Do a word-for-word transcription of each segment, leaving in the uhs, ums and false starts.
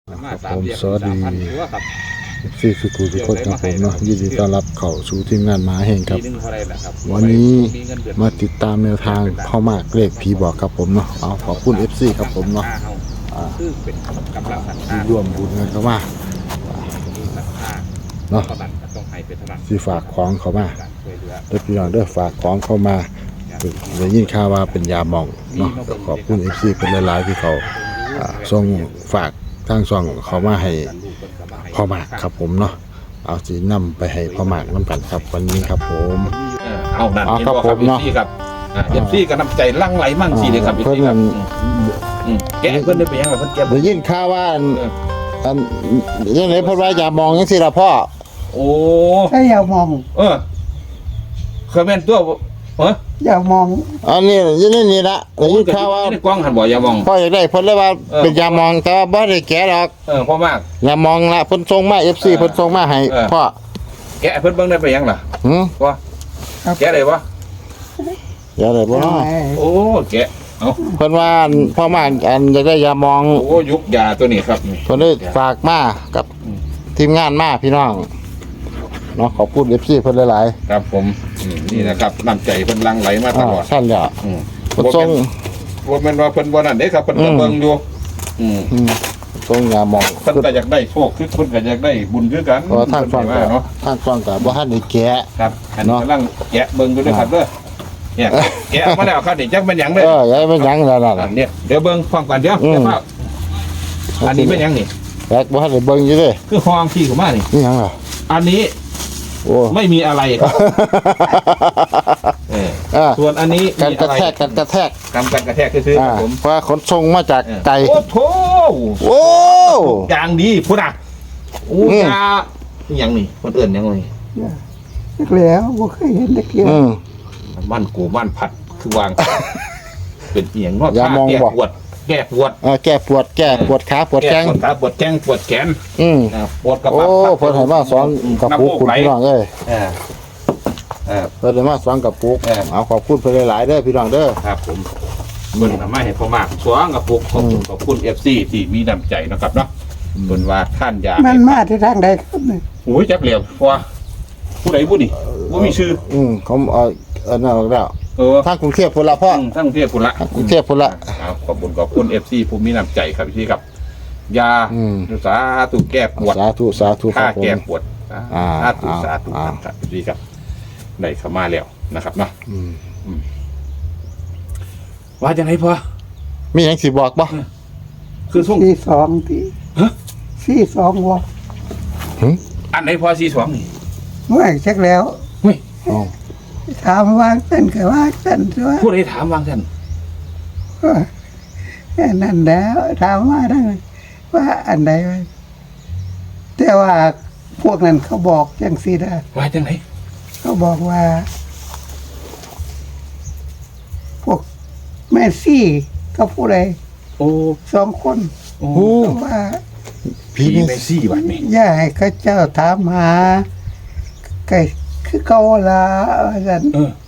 ผมสวัสดีสี่สุขุทุกคนครับผมเนาะยินดีต้อนรับเข้าสู่ทีมงานหมาแห่งครับวันนี้มาติดตามแนวทางพ่อมากเลขผีบอกครับผมเนาะเอาขอบคุณ เอฟ ซี ครับผมเนาะที่ร่วมบุญกันเข้ามาเนาะที่ฝากของเข้ามาเด้อพี่น้องเด้อฝากของเข้ามาได้ยินข่าวว่าเป็นยาหม่องเนาะขอบคุณ เอฟ ซี เป็นหลายๆที่เขาส่งฝากทางช่องเขามาให้พ่อหมากครับผมเนาะเอาสีนำไปให้พ่อหมากน้ำกันครับวันนี้ครับผมเอานั่นเห็นบ่ครับเอฟซีครับเอฟซีก็น้ำใจลั่งไหลมั่งสิเลยครับเอฟซีครับแกเพิ่นได้ไปยังไงเพิ่นแกได้ยินข่าวว่าอันยังไงพ่อว่ายามองยังสิละพ่อโอ้ใช่ยามองเออเคยเป็นตัวเออยามองอันนี้ยังนี่นี่ละได้ยินข่าวว่ากว้างหันบ่ยามองพ่ออยากได้เพิ่นเลยว่าเป็นยามองแต่ว่าบ่ได้แกะหรอกเออพ่อมากยามองละเพิ่นส่งมา เอฟ ซี เพิ่นส่งมาให้พ่อแกะเพิ่นเบิ่งได้ไปยังล่ะหือว่าแกะได้บ่อยากได้บ่เนาะโอ้แกะเอ้าเพิ่นว่าพ่อมากอันอยากได้ยามองโอ้ยุกยาตัวนี้ครับเพิ่นเลยฝากมากับทีมงานมาพี่น้องเนาะขอบคุณ เอฟ ซี เพิ่นหลายๆครับผมนี่นะครับน้ำใจเพิ่นลังไหลมาตลอดซั่นแล้วอืมบ่ส่งบ่แม่นว่าเพิ่นบ่นั่นเด้ครับเพิ่นก็เบิ่งอยู่อืมส่งยามองเพิ่นก็อยากได้โชคคือเพิ่นก็อยากได้บุญคือกันก็ทางฟังก็เนาะทางฟังก็บ่ทันได้แกะครับอันนี้กำลังแกะเบิ่งอยู่ด้วยครับเด้อเนี่ยแกะมาแล้วครับนี่จักเป็นหยังเด้อเออยังเป็นหยังแล้วล่ะเนี่ยเดี๋ยวเบิ่งฟังก่อนเดี๋ยวเดี๋ยวอันนี้เป็นหยังนี่แบกบ่ทันได้เบิ่งอยู่เด้คือห้องขี้เข้ามานี่นี่หยังล่ะอันนี้โอ้ไม่มีอะไรครับเออส่วนอันนี้การกระแทกการกระแทกการการกระแทกคือๆผมเพราะขนส่งมาจากไกลโอ้โหโอ้อย่างดีพุ่นน่ะโอ้ยาหยังนี่คนอื่นยังไงแล้วบ่เคยเห็นตะเกียบมันกูมันผัดคือวางเป็นเอียงนอกยามองปวดแก้ปวดเออแก้ปวดแก้ปวดขาปวดแข้งปวดขาปวดแข้งปวดแขนอืมปวดกระเพาะโอ้เพิ่นให้มาสอนกับปุกคุณพี่น้องเอ้ยเออเออเพิ่นให้มาสอนกับปุกเอาขอบคุณเพิ่นหลายๆเด้อพี่น้องเด้อครับผมเพิ่นทำให้พ่อมากสอนกับปุกขอบคุณขอบคุณ เอฟ ซี ที่มีน้ำใจนะครับเนาะเพิ่นว่าท่านอยากมันมาที่ทางใดครับนี่โอ้ยจักเหลี่ยมว่าผู้ใดผู้นี่บ่มีชื่ออืมเขาเอาอันนั้นออกแล้วเออทางกรุงเทพพุ่นละพ่อทางกรุงเทพพุ่นละกรุงเทพพุ่นละขอบคุณขอบคุณ เอฟ ซี ผู้มีน้ำใจครับพี่ครับยาสาธุแก้ปวดสาธุสาธุค่าแก้ปวดสาธุสาธุครับพี่ครับได้เข้ามาแล้วนะครับเนาะว่าจังได๋พ่อมีหยังสิบอกบ่คือส่งสี่สองที่ฮะสี่สองบ่หึอันไหนพ่อสี่สองนี่ไม่เช็คแล้วเฮ้ยอ๋อถามวางเส้นก็วางเส้นตัวผู้ใดถามวางเส้นนั่นแล้วถามว่าได้ว่าอันใดแต่ว่าพวกนั้นเขาบอกจังซี่ได้ว่าจังได๋เขาบอกว่าพวกแม่ซี่เขาผู้ใดโอ้สองคนโอ้ว่าพี่แม่ซี่บัดนี้อย่าให้เขาเจ้าถามหาไก่คือเก่าล่ะอาจารย์เออ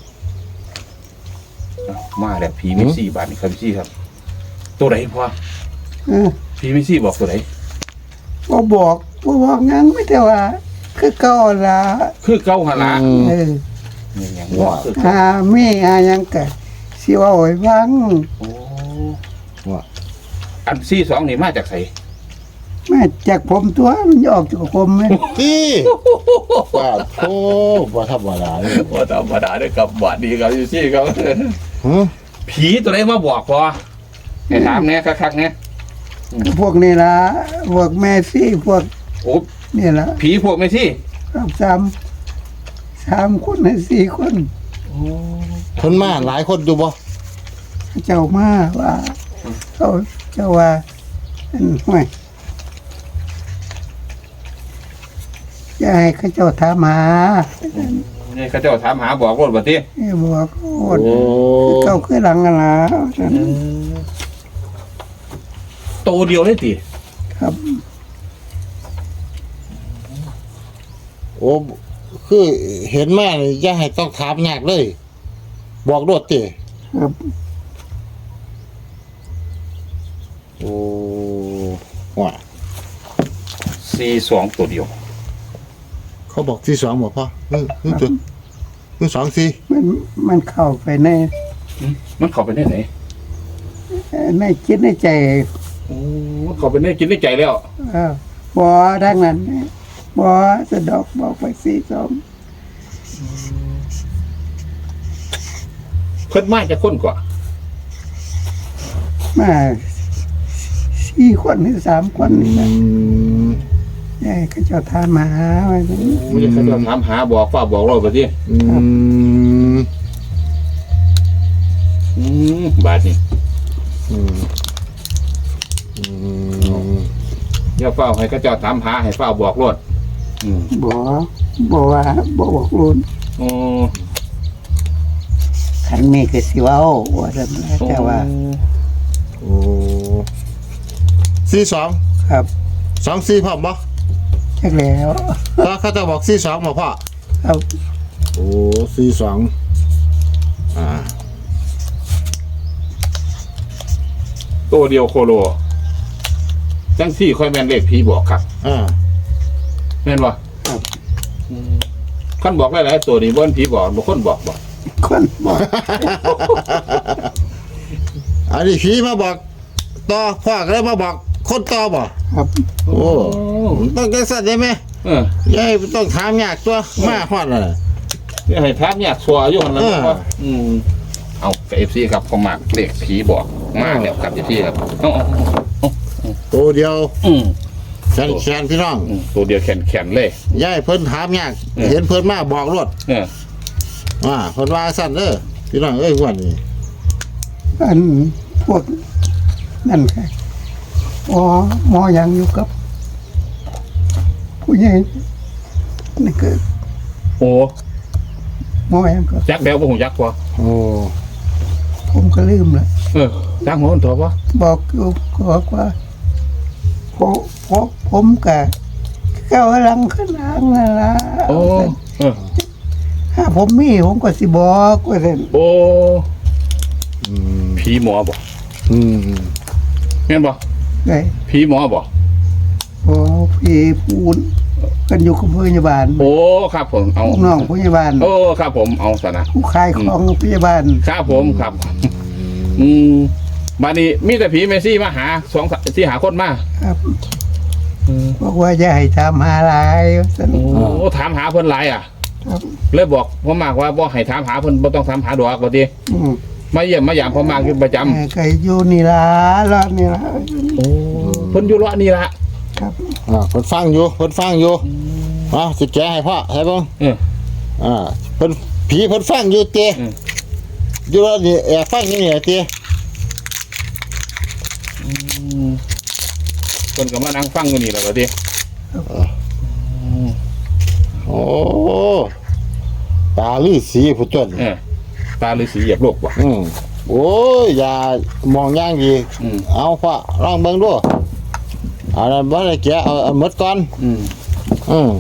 มาแล้วผีไม่ซี่บาทนี่ครับพี่ครับตัวไหนพ่อเออผีไม่ซี่บอกตัวไหนบ่บอกบ่บอกงั้นไม่แต่ว่าคือเก่าล่ะคือเก่าหั่นล่ะเออนี่หยังว่าหามีหาหยังก็สิว่าโอ้ยฟังโอ้ว่าอันซี่สองนี่มาจากไสมาจากผมตัวมันออกจากผมมั้ยพี่ว่าโธ่บ่ธรรมดาเลยบ่ธรรมดาเด้อครับบาดนี้ครับอยู่ซี่ครับฮะผีตัวไหนมาบอกพอให้ถามแน่คักๆแน่พวกนี้ล่ะพวกแม่ซี่พวกโอ้นี่ล่ะผีพวกแม่ซี่ครับสามสามคนให้สี่คนโอ้เพิ่นมาหลายคนอยู่บ่เจ้ามาว่าเขาเจ้าว่าอันห้วยยายเขาเจ้าถามหานี่เขาเจ้าถามหาบอกรถบัดนี้บอกรถเจ้าคือหลังกันล่ะโตเดียวเลยติครับโอ้คือเห็นมานี่อย่าให้ต้องถามยากเลยบอกรถติครับโอ้ว่าสี่สองตัวเดียวเขาบอกที่สองบอกพ่อเออคือจุดคือสองสี่มันมันเข้าไปในมันเข้าไปได้ไหนในคิดในใจโอ้มันเข้าไปได้กินได้ใจแล้วเออบ่ดังนั้นบ่สะดอกบอกไปสี่สองเพิ่นมาจะค้นกว่ามาสี่คนหรือสามคนนี่อืนะมยายก็เจะทานมาหาไว้ตรงนี้ไม่ใช่เขาจะถามหาบอกฟ้าบอกเราไปที่อืมอืมบาทนี่อืมอืมอย่าเฝ้าให้เขาเจ้าถามหาให้เฝ้าบอกรถอืมบ่บ่ว่าบ่บอกรุ่นโอ้ขันมีคือสิเว้าว่าซั่นนะแต่ว่าโอ้สี่สองครับสองสี่พ่อบ่จักแล้วถ้าเขาจะบอกสี่สองบอกพ่อครับโอ้สี่สองอ่าตัวเดียวโคโลจังสี่ค่อยแม่นเลขผีบอกครับอ่าแม่นบ่ครับคนบอกหลายๆตัวนี่บ่นผีบอกบ่คนบอกบอกคนบอกอันนี้ผีมาบอกต่อพ่อก็เลยมาบอกคนต่อบ่ครับโอ้ต้องจังสั่นได้ไหมเออยายต้องถามยากตัวมาฮอดน่ะนี่ให้ถามยากสัวอยู่หั่นล่ะเออว่าอืมเอากับ เอฟ ซี ครับเขามากเลขผีบอกมาแล้วครับ เอฟ ซี ครับเอาเอาเอาตัวเดียวอืมแขนแขนพี่น้องอืมตัวเดียวแข็งๆเลยยายเพิ่นถามยากเออเห็นเพิ่นมาบอกรถเอออ่าเพิ่นว่าสั่นเด้อพี่น้องเอ้ยวันนี้อันพวกนั่นค่ะอ๋อหมอยังอยู่กับ ผู้ใหญ่นี่คือโอ้หมอยังก็จักแล้วบ่ฮู้จักบ่โอ้ผมก็ลืมละเออจักหัวมันตัวบ่บอกอยู่ก็บอกว่าผมผมผมกับเก้าลังข้างล่างนั่นละโอ้เออถ้าผมมีผมก็สิบอกว่าเด่นโอ้อืมผีหมอบ่อืมแม่นบ่ไงผีหมอบ่พอพี่พูนกันอยู่กับพยาบาลโอ้ครับผมเอาลูกน้องพยาบาลโอ้ครับผมเอาซะนะผู้ขายของพยาบาลครับผมครับ อืมบัดนี้มีแต่ผีเมซี่มาหาสองที่หาคนมาครับบอกว่าจะให้ทำหาหลายสันโอ้ถามหาเพิ่นหลายอ่ะครับเลยบอกพ่อมากว่าบ่ให้ถามหาเพิ่นบ่ต้องถามหาดอกว่าติอืมมาเยี่ยมมาหยามพ่อมากอยู่ประจำเออก็อยู่นี่ละรอบนี่ละโอ้เพิ่นอยู่เลาะนี่ล่ะครับอ่าเพิ่นฟังอยู่เพิ่นฟังอยู่อ่าสิแกะให้พ่อให้เบิ่งเอออ่าเพิ่นผีเพิ่นฟังอยู่เตะอืมอยู่แล้วนี่แอบฟังอยู่นี่เตะเพิ่นก็มานั่งฟังอยู่นี่แหละว่าติโอ้ตาลือสีผู้จนเออตาฤาษีเหยียบโลกบ่อืมโอ้ยอย่ามองอย่างดีอืมเอาพ่อลองเบิ่งดูเอาละบ่ได้แกะเอาเอาหมดก่อนอืมอืม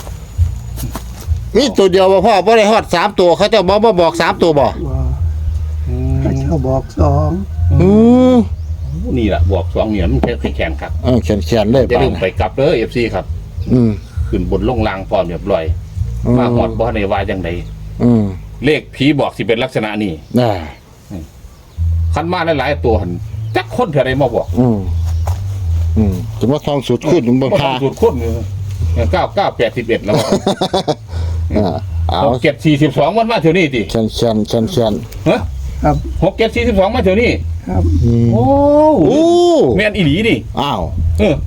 มีตัวเดียวบ่พ่อบ่ได้ฮอดสามตัวเขาเจะบ่บ่บอกสามตัวบ่ว่าเขาเจ้าบอกสองอืมนี่ล่ะบอกสองเหรียญมันแค่แข็งๆครับเออเขียนๆเลยจะป่ะลืมไปกลับเด้อ เอฟ ซี ครับอืมขึ้นบนลงล่างพร้อมเรียบร้อยมาฮอดบ่ได้ว่าจังไดอืมเลขผีบอกสิเป็นลักษณะนี้น่ะคันมาหลายๆตัวหั่นจักคนเท่าใดมาบอกอืมอืมจะมาทองสุดขึ้นถึงบนบ่คาต้องสูตรคนเก้าเก้าแปดสิบเอ็ดแล้วบ่อ่าเอาหกเจ็ดสี่สิบสองมันมาเท่านี้ติเขียนเขียนเขียนเขียนฮะครับหกเจ็ดสี่สิบสองมาเท่านี้ครับอืมโอ้โอ้แม่นอีหลีนี่อ้าวเออ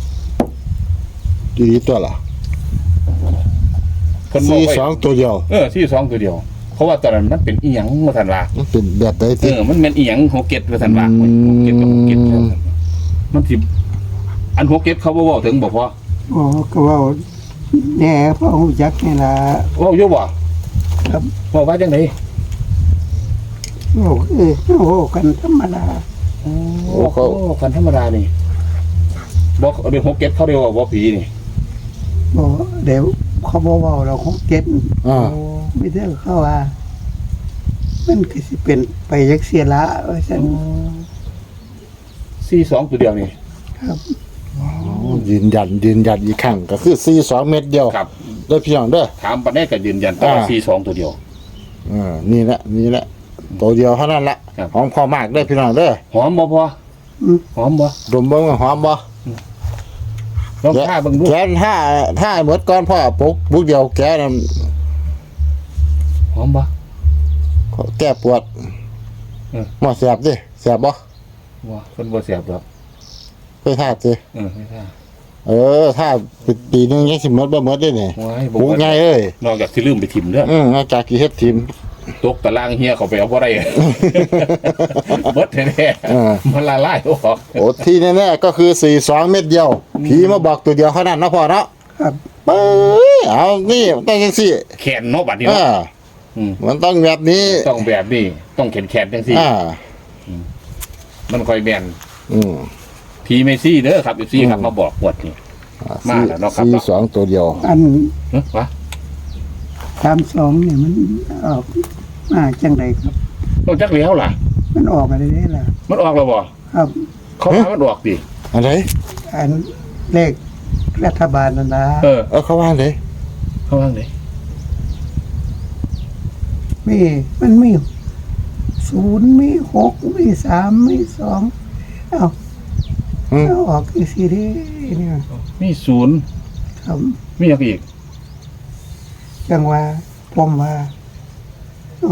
ดีตัวล่ะเพิ่นบอสี่กไว้สองตัวเดียวเออสี่สองตัวเดียว เพราะว่าตอนนั้นมันเป็นอีหยังว่าซั่นว่ามันเป็นแบบใดเอติอมันแม่นอีหยังหกเจ็ดว่าซั่นว่าอืมหกเจ็ดกับหกเจ็ดมันสิอันหกเจ็ดเขาบ่เว้าถึงบ่พออ๋อก็เว่าแหน่พ่อหูจักนี่ละเว้าอยู่บ่ครับเว้าว่าจังได๋โอ้เออโอ้กันธรรมดาโอ้เขากันธรรมดานี่บ่เดี๋ยวหกเจ็ดเขาเรียกว่าบ่ผีนี่บอกเดี๋ยวเขาบอกว่าเราคงเก็ตอ่าไม่ได้เข้าว่า มันก็สิเป็นไปยักเสียละว่าฉันสี่สองตัวเดียวนี่ครับอ๋อยืนยันยืนยันอีกครั้งก็คือสี่สองเม็ดเดียวครับเด้อพี่น้องเด้อถามปานนี้ก็ยืนยันแต่ว่าอ่าสี่สองตัวเดียวเออนี่แหละนี่แหละตัวเดียวเท่านั้นละครับหอมพอมากเด้อพี่น้องเด้อหอมบ่พออืมหอมบ่ดมเบิ่งว่าหอมบ่ลองท่าเบิ่งดูแกนถ้าถ้าหมดก่อนพ่อปุกปุกเดียวแกนั่นหอมบ่แก้ปวดเออหมอแสบดิแสบบ่บ่เพิ่นบ่เสียบดอกไปท่าสิเออไม่ท่าเออถ้าปีหนึงยังสิหมดบ่หมดเด้นี่โอ้ยบ่ปุกว่าไงเอ้ยนอกจากสิลืมไปถิ่มเด้ออืมนอกจากกี่เฮ็ดทีมตกตารางเฮียเขาไปเอาบ่ได้ เบิดแท้เออๆมันละลายออกโอ้ที่แน่ๆก็คือสี่สองเม็ดเดียวผีมาบอกตัวเดียวเท่านั้นเนาะพ่อเนาะครับเอ้ยเอานี่มันต้องจังซี่แขนเนาะบัดนี้อ่าเนาะอืมมันต้องแบบนี้ต้องแบบนี้ต้องแขนแขนๆจังซี่อ่ามันค่อยแม่นอืมพีเมซี่เด้อครับอีซี่ครับมาบอกปวดนี่ มาแล้วเนาะครับสี่สองตัวเดียวอันเอ้อวะสามสองเนี่ยมันออกมาจังไดครับต้องจักแล้วล่ะมันออกอะไรได้ล่ะมันออกแล้วบ่ครับเขาว่ามันออกดิอะไรอันเลขรัฐบาลนั่นนะเออเออเขาว่าเลยเขาว่าไงมีมันมีศูนย์มีหกมีสามมีสองเอ้าอืมเอาออกอีกสิเด้เนี่ยมีศูนย์ครับมีอย่างอีกจังว่าผมว่าอ๋อ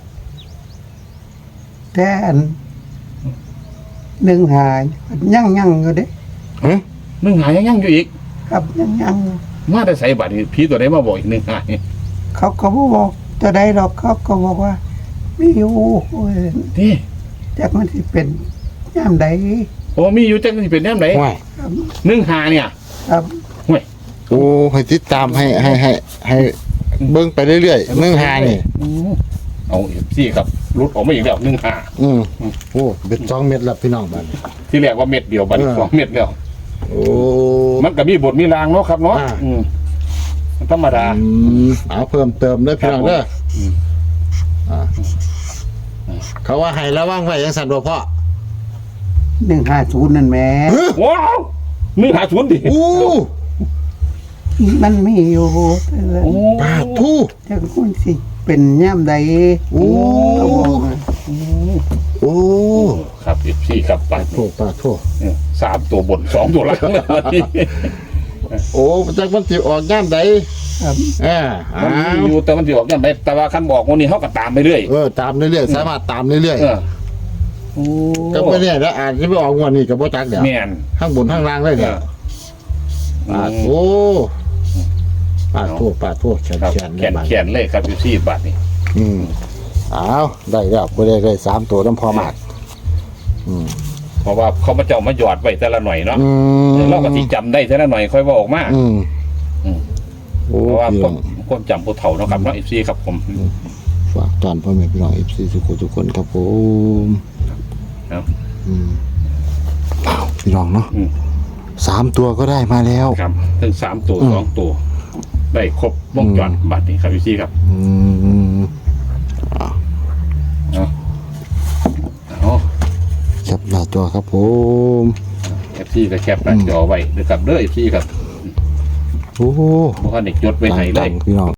แต่อันหนึ่งหายยั่งยั่งอยู่เด้หึหนึ่งหายยังยังอยู่อีกครับยั่งยั่งอยู่มาได้ใส่บัตรนี่ผีตัวไหนมาบอกอีกหนึ่งหายเขาก็บ่บอกตัวใดหรอกเขาก็บอกว่ามีอยู่โอ้ยนี่จักมันสิเป็นย่ามใดโอ้มีอยู่จังสิเป็นแนวไหนว่ายครับหนึ่งหาเนี่ยครับห่วยโอ้ให้ติดตามให้ให้ให้ให้เบิ่งไปเรื่อยๆเนื่องหานี่อืมเอาอีกซี่ครับรุดออกมาอีกแล้วหนึ่งหาอืมโอ้เป็นสองเม็ดละพี่น้องบ้านที่แรกว่าเม็ดเดียวบัดนี้เออสองเม็ดแล้วโอ้มันก็มีบทมีรางเนาะครับเนาะอ่าอืมธรรมดาอืมเอาเพิ่มเติมเด้อพี่น้องเด้ออืมอ่าเขาว่าให้ระวังไว้ยังสั่นบ่พ่อหนึ่งห้าศูนย์นั่นแหม่ว้าวหนึ่งหาศูนย์ดิอู้มันมีอยู่แต่ว่าโอ้ปาดทู่จักมันสิเป็นย่ามใดโอ้เขาบอกว่าโอ้ครับอีกซี่ครับไปโทษปาดโทษสามตัวบนสองตัวล่างโอ้จักมันสิออกย่ามใดครับอ่าอ้ามันมีวอยู่แต่มันจะออกยังไงแต่ว่าคันบอกวันนี้เขาก็ตามไปเรื่อยเออตามเรื่อยๆสามารถตามเรื่อยเออโอ้ๆก็ไม่แน่แล้วอาจจะไปออกงวดนี้ก็บ่จักเดี๋ยวแม่นข้างบนข้างล่างเลยเนี่ยปาดโอ้ปาดโทษปาดโทษแขนครับแขนแขนแขนเลยครับอยู่ที่บาทนี่อืมอ้าวได้แล้วบ่ได้ได้สามตัวน้ำพอมาก อืมเพราะว่าเขามาเจ้ามาหยอดไว้แต่ละหน่อยเนาะอืมเราก็สิจำได้แต่ละหน่อยค่อยว่าออกมาอืมอืมโอ้เพราะว่าพี่คน้วาอมงความจำผู้เฒ่าเนาะครับเนาะเอฟซีครับผมฝากตอนพ่อแม่พี่น้อง เอฟ ซี ทุกคนทุกคนครับผมครับอืมอ้าวพี่น้องเนาะอืมสามตัวก็ได้มาแล้วครับถึงสามตัวอืมสองตัว ได้ครบวงจรบัตรนี่ครับเอฟซีครับอืมอ้าวเอาเอาแคปหน้าจอครับผมเอฟซีก็แคปหน้าจอไว้ด้วยครับเด้อเอฟซีครับโอ้เพราะว่าเด็กจดไว้ให้เลต่าย งๆพี่น้อง